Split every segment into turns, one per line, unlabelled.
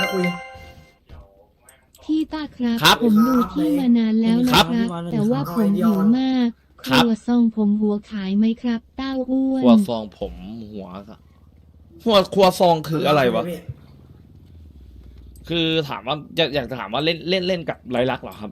คุย
พี่ต้าครับ
ครับ
ผมดูที่มานานแล้วนะครับ แต่ว่าผมหิวมากค
ครับ
รัวซองผมหัวขายไหมครับเต้าอ้วน
ครัวซองผมหัวครัวซองคืออะไรวะ คือถามว่าอยากจะถามว่าเล่นกับไรลักษณ์เหรอครับ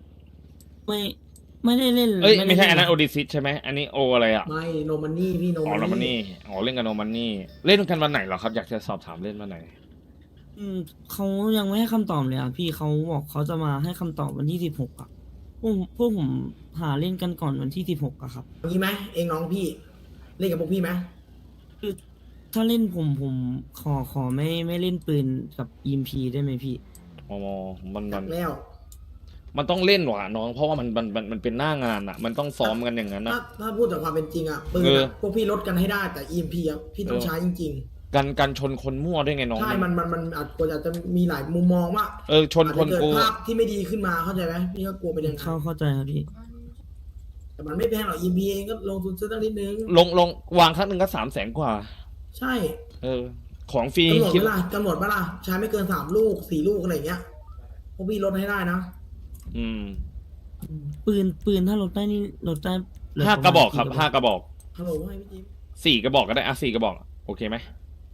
ไม่ได้เล่น
เอ้ยไม่ใช่
ด้
อัน
เล่
นั้นโอดิซิสใช่ไหมอันนี้โออะไรอ่ะ
ไม่โนมันนี่พี่โน
อ๋อโน
มั
มัน น
นี่
นี่อ๋อเล่นกับโนมันนี่เล่นกันวันไหนเหรอครับ อยากจะสอบถามเล่นวันไหน
เขายังไม่ให้คำตอบเลยอ่ะพี่เขาบอกเขาจะมาให้คำตอบวันที่16อ่ะพวกผมหาเล่นกันก่อนวันที่16อะครับ
งี้ไหมเองน้องพี่เล่นกับพวกพี่ไหม
คือถ้าเล่นผมขอไม่เล่นปืนกับ EMP ได้ไหมพี่
อ๋อมัน
จัดแล้ว
มันต้องเล่นว่ะน้อง เพราะว่ามันเป็นหน้างานอ่ะ มันต้องซ้อมกันอย่างนั้น
ถ้าพูดจากความเป็นจริงอ่ะปืน
เออ
อะพวกพี่ลดกันให้ได้แต่ EMP อ่ะพี่ต้องใช้จริง
กันชนคนมั่วด้วยไงน้อง
ๆใช่มันอาจจะมีหลายมุมมองว่า
ชนคน
อาจจะ
กู
เกิดภาพที่ไม่ดีขึ้นมาเข้าใจไหมพี่ก็กลัวไปอย่างนั้น
เข้าใจครับพี่
แต่มันไม่แพงหรอก EMP เองก็ลงทุนซื้อตั้งนิดนึง
ลงวางครั้งหนึ่งก็300,000 กว่า
ใช่
ของฟรี
กำหนด
คิด
เวลากำหนดเวลาใช้ไม่เกิน3 ลูก 4 ลูกอะไรอย่างเงี้ยพวกพี่ลดให้ได้นะ
อืม
ปืนถ้าลดได้นี่ลดได้เหลื
ห้า
ปมณ
กระบอกครับ
กี่
ห้ากระบอก
ฮัลโหลให้พี่จิ๊บ
4 กระบอกก็ได้อ่ะ4 กระบอกโอเคไหม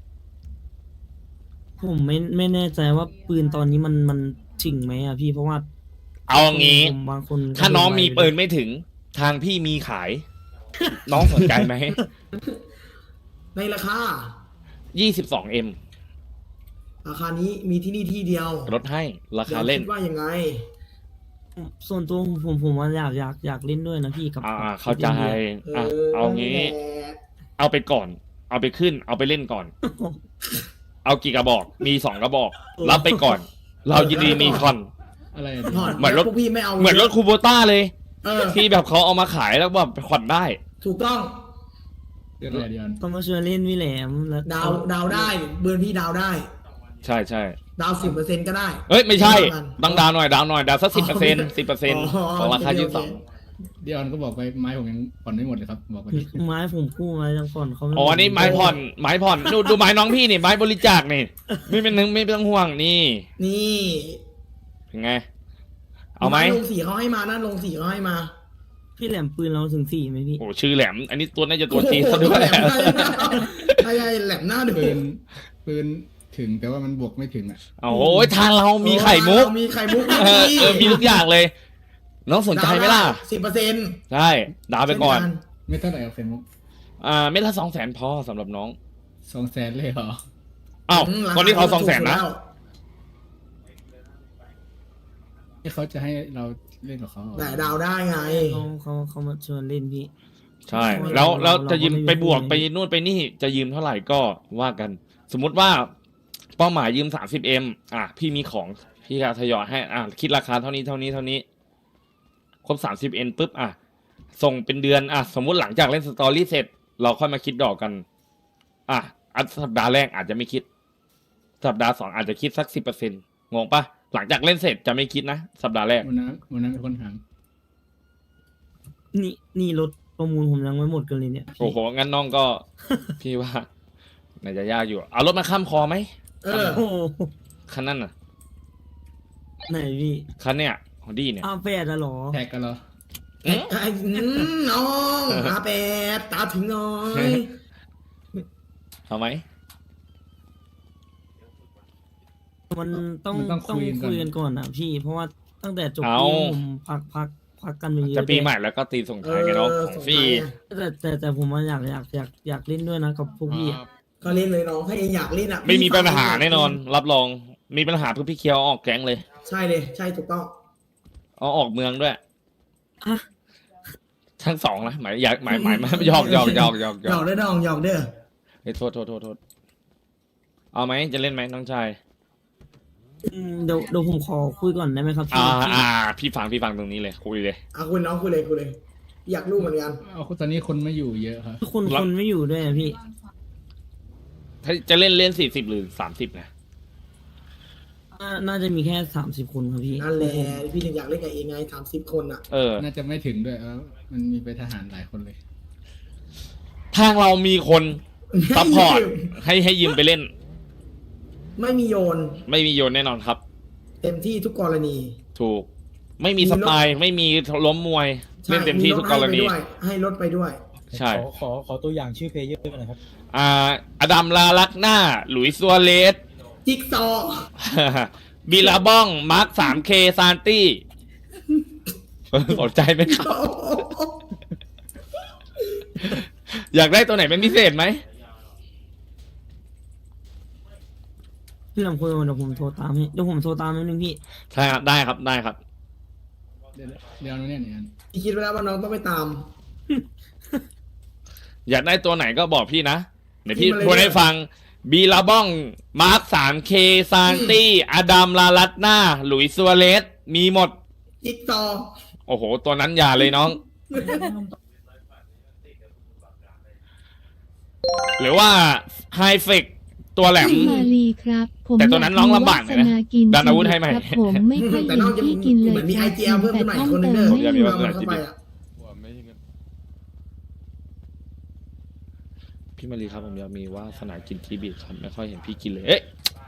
ผมไม่แน่ใจว่าปืนตอนนี้มันจริงไหมอ่ะพี่เพราะว่า
เอางี้
ผมบางคนก็
ถ้าน้องมีปืน
ไ
ไม่ถึง ทางพี่มีขาย น้องสนใจไหม
ในราคา
22M
ราคานี้มีที่นี่ที่เดียว
ลดให้ราคาเล่น
ดี๋ยวคิดว่ายังไง
ส่วนตัวผมว่าอยากเล่นด้วยนะพี่กับ
เข้าใจอ่ะเอางี้ เอาไปก่อน เอาไปขึ้น เอาไปเล่นก่อน เอากี่กระบอก มี2 กระบอก รับไปก่อน เรายินดีมีคอน
อะไรอ่ะ
ผ่อน
เหมือนรถ
พวกพี่ไม่เอา
เหมือนรถคูโบต้าเลย
เออ
ที่แบบเขาเอามาขายแล้วแบบผ่อนได้
ถูกต้อง
เดือนอะไรเดือน
ต้องมาชวนเล่นพี่แหลมแล้ว
ดาวได้เบิร์นพี่ดาวได้
ใช่ใช่
ดาว10%ก็ได้
เอ้ยไม่ใช่
กัน
ต้องดาวหน่อยดาวสัก10%
อ๋อ
ของราคา
โอเค
เดือนก็บอกไปไม้ผมยังผ่อนไม่หมดเลยครับบอกไปดิ
ไม้ผมกู้มาจังก่อนเขาไม่
อ๋ออันนี้ไม้ผ่อนดูไม้น้องพี่นี่ไม้บริจาคนี่ไม่ต้องห่วงนี่
นี่
เป็นไง เอาไหม
ลงสีเขาให้มานะลงสีเขาให้มา
พี่แหลมปืนเราถึง4ไหมพี่
โอ้ชื่อแหลม อันนี้ตัวน่าจะตัวจีนซะด้วย
แหลมใช่แหลมหน้าดู
ปืนถึงแต่ว่ามันบวกไม่ถึงอ่ะ
โอ้ยทางเรามีไข่มุก
มีไข่มุก
มีทุกอย่างเลย น้องสนใจไหมล่ะ
10%
ใช่ดาวไปก่อน
ไม่เท่าไหร่กับเฟนมุก
เม็ดละ200,000พอสำหรับน้อง
200,000เลยเหรอ
อ้าวคนที่เขา200,000นะ
ที่เขาจะให้เราเล่นกับเขาเหรอ
แต่ดาวได้ไง
เขามาชวนเล่นพี่
ใช่
เรา
แล้วจะยืม
เราก็ไม่มี
ไปบวก
เงิน
ไปนู่นไปนี่จะยืมเท่าไหร่ก็ว่ากัน สมมุติว่าเป้าหมายยืม 30M พี่มีของพี่จะทยอยให้คิดราคาเท่านี้ครบ 30M ปุ๊บส่งเป็นเดือนสมมุติหลังจากเล่นสตอรี่เสร็จ เราค่อยมาคิดดอกกันสัปดาห์แรกอาจจะไม่คิด สัปดาห์2อาจจะคิดสัก10%งงปะหลังจากเล่นเสร็จจะไม่คิดนะสัปดาห์แรก
วันนั้นเป็นคนถาม
นี่รถประมูลผมยังไม่หมดกันเลยเนี่ย
โอ้โหงั้นน้องก็ พี่ว่าน่าจะยากอยู่เอารถมาข้ามคอไหม
เออ
โอ้โห
คันนั้นน่ะ
ไหนพี่
คันเนี่ยของดีเนี่ย
แปดอะเหรอ
แท็กกันเหรอ
น้องตาถึงน้อย
เอาไหม
มันต้องคุยกันก่อนนะพี่ เพราะว่าตั้งแต่จบปีผมพักกันไปเยอะ
จะปีใหม่แล้วก็ตีส่งท้ายไงน้องของฟรี
แต่ผมว่าอยากเล่นด้วยนะกับพวกพี่อะ
ก็เล่นเลยน้องถ้าเองอยากเล่น
ไม่มีปัญหาแน่นอน รับรองมีปัญหาเพื่อพี่เคียวออกแก๊งเลย
ใช่เลยใช่ถูกต้อง
เอาออกเมืองด้วย
ฮะ
ทั้งสองนะหมายอยากหมายหยอก
หยอกเด้อน้องหยอกเด้อ
โทษเอาไหมจะเล่นไหมน้องชาย
เดี๋ยวผมขอคุยก่อนได้ไหมครับพี่
พี่ฟังตรงนี้เลยคุยเลย
คุณน้องคุยเลย อยากรู้เหมือนกัน
เอาตอนนี้คนไม่อยู่เยอะครับ
คนไม่อยู่ด้วยอะพี่
ถ้าจะเล่น40หรือ30นะ
น่าจะมีแค่30 คนครับพี่
นั่นแหละพี่ถึงอยากเล่นกับเองไง30 คนอ่ะ
น่าจะไม่ถึงด้วยมันมีไปทหารหลายคนเลย
ทางเรามีคนซัพพอร์ตให้ยืมไปเล่น
ไม่มีโยน
ไม่มีโยนแน่นอนครับ
เต็มที่ทุกกรณี
ถูก ไม่มีสไตล์ไม่มีล้มมวย
ใช่
เล่นเต็มที่ทุกกรณี
ให้รถไปด้วย
ใช่
ขอตัวอย่างชื่อเพลเยอร์หน่อยครับ
อดัมลาลักหน้า หลุยส์ซัวเรส
จิ๊กซอว์
บิลลาบ้อง มาร์ค 3K ซานตี้ สนใจไหมครับ อยากได้ตัวไหนเป็นพิเศษไหม
พี่ลำคุยเดี๋ยวผมโทรตามให้เดี๋ยวผมโทรตามนิดนึงพี่
ใช่ครับ ได้ครับ ได้ครับ
เดี๋ยวเนี่ย
พี่คิดไว้แล้วว่าน้องต้องไปตาม
อยากได้ตัวไหนก็บอกพี่นะ เดี๋ยวพี่
พี่มาเลย
พูดให้ฟัง บิลลาบ้อง มาร์ค 3K ซานตี้ อดัมลาลักหน้า หลุยส์ซัวเรส มีหมด
จิ๊กซอว์
โอ้โห ตัวนั้นอย่าเลยน้อง หรือว่าไฮเฟกตัวแหลม
พี่มาลีครับ ผม
แต่ตัวนั้นน้องลำบากหน่อยนะ
วาสกิน
ดันอาวุธให้ใหม่
ครับผมไม่ค่อย
แต่
เห็
น้
น
องจะ
พี่กินเลย
เหมือนมี
ค
ไอ
รับ
เจียเพิ่ม
แต่
ขึ้นมา
ต้
อี
อก ง
คนหนึง
เติ
เด้อ
มให้
เราเข้าไปอ่ะ
พี่มารีครับผมอยากมีว่าสนากินทีบีครับไม่ค่อยเห็นพี่กินเลย เอ๊ะ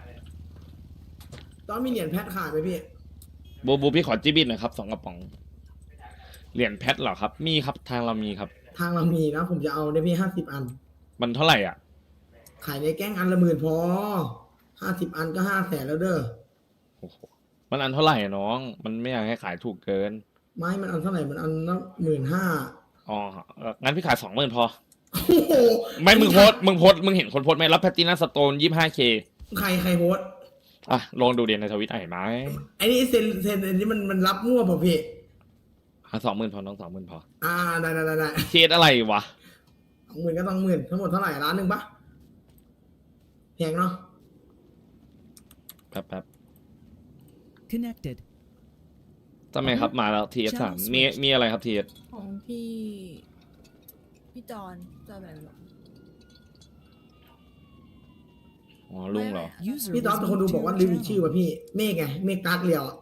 ตอนมีเหรียญแพทขายไหมพี่
บูพี่ขอจีบิทหน่อยครับ2 กระป๋อง เหรียญแพทเหรอครับ มีครับทางเรามีครับ
ทางเรามีนะ ผมจะเอาได้พี่50 อัน
มันเท่าไหร่อ่ะ
ขายในแก๊งอันละ10,000พอ50 อันก็500,000แล้วเด้อ
โอ้โหมันอันเท่าไหร่อะน้อง มันไม่อยากให้ขายถูกเกิน
ไม่มันอันเท่าไหร่มันอันละ15,000
อ๋องั้นพี่ขาย20,000พอ
โอ้โห
ไม่มึงโพสต์มึงเห็นคนโพสต์ไหมรับแพตตินัมสโตน 25K
ใครโพสต์
อ่ะลองดูเดียนในทวิตเห็นไหม
ไอ้นี่เซ็นอันนี้มันรับมั่วเปล่าพี่
20,000พอน้อง20,000พอ
ได้
เคสอะไรวะ
20,000ก็ต้อง10,000ทั้งหมดเท่าไหร่ล้านหนึ่งปะแพงเนาะ
แป๊บ
Connected.
ทำไมครับมาแล้ว TS3 มีอะไรครับ TS
ของพี่จอนแบบหรอ
อ๋อลุงเหรอ
User
พี่ต๊อบ
was
เป็นคน
moved
ดู
to
บอกว่า
your
ลืมอีกชื่อ
channel.
ว่ะพี่เมฆไงเมฆตาร์กเรียวอะ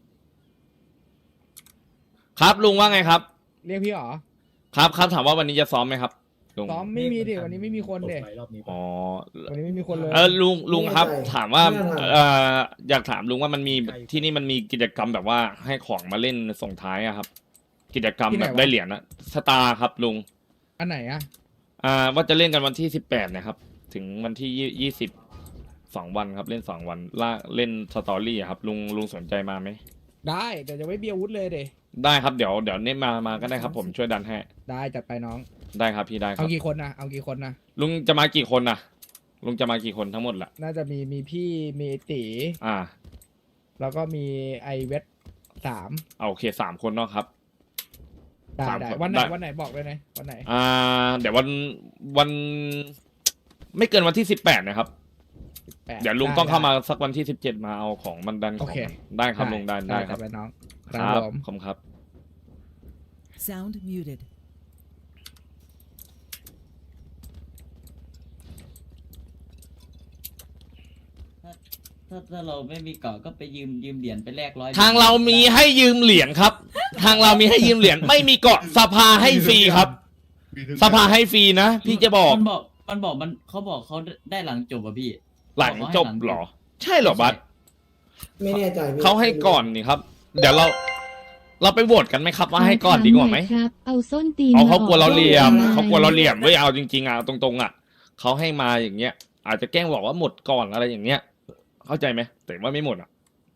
ครับลุงว่าไงครับ
เรียกพี่เหรอ
ครับถามว่าวันนี้จะซ้อมไหมครับลุง
ซ้อมไม่มีดิวันนี้ไม่มีคนเด็
อ๋อ
วันนี้ไม่มีคนเลย
ลุงครับ ถามว่าอยากถามลุงว่ามันมีที่นี่มันมีกิจกรรมแบบว่าให้ของมาเล่นส่งท้ายอะครับ กิจกรรมแบบได้เหรียญนะสตาร์ครับลุง
อันไหนอะ
ว่าจะเล่นกันวันที่18นะครับ ถึงวันที่22 วันครับเล่น2 วันเล่นสตอรี่อะครับลุงสนใจมาไหม
ได้แต่จะไม่เบียร์วุฒเลยเด
ได้ครับเดี๋ยวเน้นมาก็ได้ครับ ผมช่วยดันให้
ได้จัดไปน้อง
ได้ครับพี่ได้ค
เอา
รับ
กี่คนนะเอากี่คนนะ
ลุงจะมากี่คนนะลุงจะมากี่คนทั้งหมดล่ะ
น่าจะมีพี่มีตี แล้วก็มีไอเวท3
โอเค3 คนเนาะครับ
ได้
3
ได้
คน
วันไหน
ได้
วันไหนบอกเลยนะวันไหน
เดี๋ยววันไม่เกินวันที่18นะครับ
8
เดี๋ยวลุงต้องเข้ามาสักวันที่17มาเอาของมันดันของ
โอเค
ได้ครับลุงได้ครับ
จัดไปน้อง
ครับ
ผม
ขอบคุณครับ
Sound muted.
ถ้าเราไม่มีเกาะก็ไปยืมเหรียญไปแลก100
ทางเรามีให้ยืมเหรียญครับ ทางเรามีให้ยืมเหรียญไม่มีเกาะสภาให้ฟรีครับ สภาให้ฟรีนะพี่จะบอก
มันบอกเขาบอกเขาได้หลังจบอ่ะพี่
หลังจบเหรอ ใช่เหรอบัส
ไม่แน่ใจพี่
เขาให้ก่อนนี่ครับ เดี๋ยวเราไปโหวตกันไหมครับว่าให้ก่อนดีกว่าไหม
ครับ เอาส้นตีน
เขากลัวเราเหลี่ยม
ออก
เขากลัวเราเหลี่ยมเว้ยเอาจริงๆอ่ะตรงๆอ่ะเขาให้มาอย่างเงี้ย อาจจะแกล้งบอกว่าหมดก่อนอะไรอย่างเงี้ย เข้าใจไหมแต่ว่าไม่หมดอ่ะ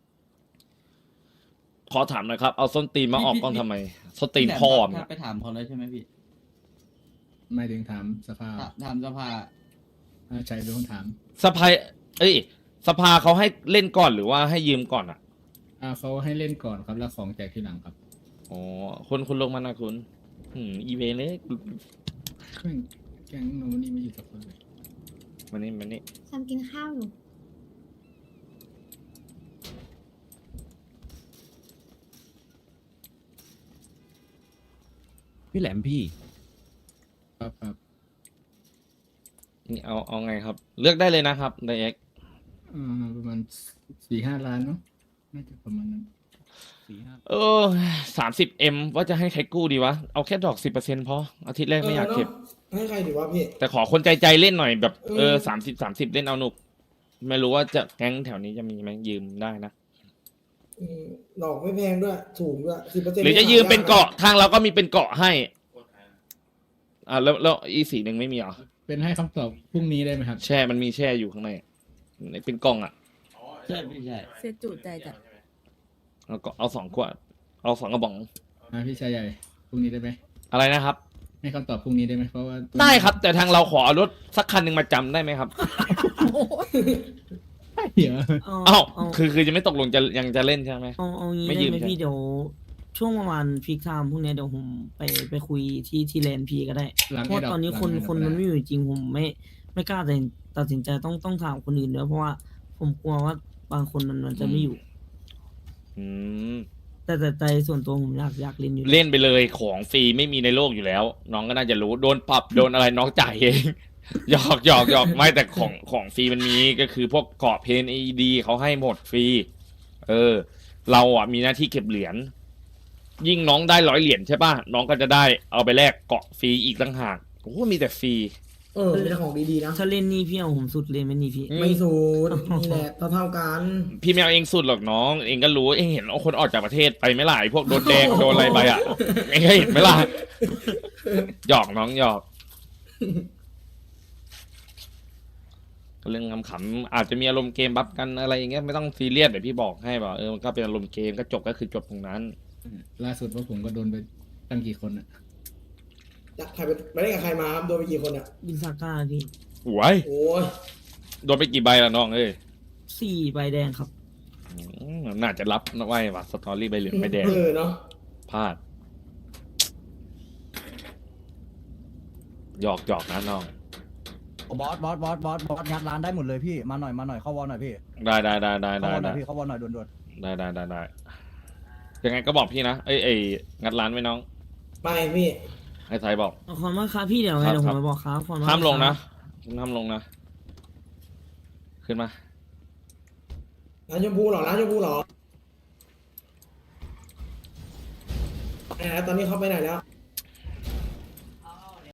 ขอถามหน่อยครับเอาส้นตีนมาออกกล้องทำไมส้นตีนพ่อมง
ไปถามเขาแล้วใช่ไหมพี่
ไม่ถึงถามสภา
ถามสภา
ใช่เป็นคนถาม
สภาสภาเขาให้เล่นก่อนหรือว่าให้ยืมก่อนอ่ะ
เขาให้เล่นก่อนครับแล้วของแจกทีหลังครับ
อ๋อคุณลงมานะคุณอีเวนเลย
แก๊งโนมันนี่ไม่อยู่กับคนเลย
มานี่
ฉันกินข้าวอยู่
พี่แหลมพี่
ครับ
นี่เอาไงครับ เลือกได้เลยนะครับไดเอ็ก
ประมาณ4-5 ล้านเนาะน่าจะประมาณนั้น
30M ว่าจะให้ใครกู้ดีวะ เอาแค่ดอก 10%พออาทิตย์แรกไม่อยากเก็บ
ให้ใครดีวะพี่
แต่ขอคนใจเล่นหน่อยแบบ30เล่นเอาหนุกไม่รู้ว่าจะแก๊งแถวนี้จะมีไหมยืมได้นะ
ดอกไม่แพงด้วยถูกด้วย10%
หรือจะยืมเป็นเกาะทางเราก็มีเป็นเกาะให้แล้วอีสีหนึ่งไม่มีเหรอ
เป็นให้คำตอบพรุ่งนี้ได้ไหมครับ
แช่มันมีแช่อยู่ข้างในเป็นกล่องอ่ะ
ใช่พี่ใช่
เสียจุใจจัด
แล้วก็เอา2 ขวดเอา2 กระป๋อง
พี่ชายใหญ่พรุ่งนี้ได้ไหม
อะไรนะครับ
ให้คำตอบพรุ่งนี้ได้ไหมเพราะว่า
ได้ครับ แต่ทางเราขอเอารถสักคันหนึ่งมาจำได้ไหมครับ
เดี๋ยว
เอ้าคือจะไม่ตกลงยังจะเล่นใช่ไหม
เอางี้
ไม่
ได้
ยืม
ไหม
ใช่
พี่เดี๋ยวช่วงประมาณพีคไทม์พวกเนี้ยเดี๋ยวผมไปคุยที่แลนด์พีก็ได้
หลัง
เพราะตอนนี้คนมันไม่อยู่จริงผมไม่กล้าตัดสินใจต้องถามคนอื่นด้วยเพราะว่าผมกลัวว่าบางคนมันจะไม่อยู่
อืม
แต่ใจส่วนตัวผมอยากเล่นอยู่
เล่นไปเลยของฟรีไม่มีในโลกอยู่แล้ว น้องก็น่าจะรู้โดนปรับโดนอะไรน้องจ่ายเอง หยอกไม่แต่ของฟรีมันมีก็คือพวกเกาะเพนAEDเขาให้หมดฟรีเราอ่ะมีหน้าที่เก็บเหรียญยิ่งน้องได้100 เหรียญใช่ป่ะน้องก็จะได้เอาไปแลกเกาะฟรีอีกต่างหากโอ้โหมีแต่ฟรี
มีแต่ของดีๆนะ
ถ้าเล่นนี่พี่เอาผมสุดเลยไหมนี่พี่
ไม่สูดนี่แหละเท่ากัน
พี่ไม่เอาเองสุดหรอกน้อง เองก็รู้เองเห็นเอาคนออกจากประเทศไปไหม่หลายพวกโดนแดงโดนอะไรไปอ่ะเองก็เห็นไหมล่ะหยอกน้องหยอกก็เรื่องขำๆอาจจะมีอารมณ์เกมบัฟกันอะไรอย่างเงี้ยไม่ต้องซีเรียสเดี๋ยวพี่บอกให้บอกมันก็เป็นอารมณ์เกมก็จบก็คือจบตรงนั้น
ล่าสุดว่าผมก็โดนไปตั้งกี่คนอะ
ใครไปเล่นกับใครมาครับโดนไปกี่คนอ่ะ
บินซาก้าพี่
หวย
โอ้ย
โดนไปกี่ใบละน้องเอ้ย
4 ใบแดงครับ
น่าจะรับนะไว้ว่ะสตอรี่ใบเหลืองใบแดง
เนาะ
พลาดหยอกนะน้อง
บอสงัดร้านได้หมดเลยพี่มาหน่อยเข้าวอลหน่อยพี่
ได้
เข้าวอลหน่อยพี่เข้าวอลหน่อยด่วน
ได้ยังไงก็บอกพี่นะเอ้ยงัดร้านไว้น้อง
ไปพี่
ให้ไทยบอก
ขอบคุณมากครับพี่เดี๋ยวไง
ครับ
เดี๋ยวผ
ครั
ม
บ
ไปบอกครับขอบคุณมาก
ห้ามลง
ค
นะ
รับ
ห้ามลงนะขึ้นมา
ร้านชมพูเหรอไหนตอนนี้เขาไปไหนแล้ว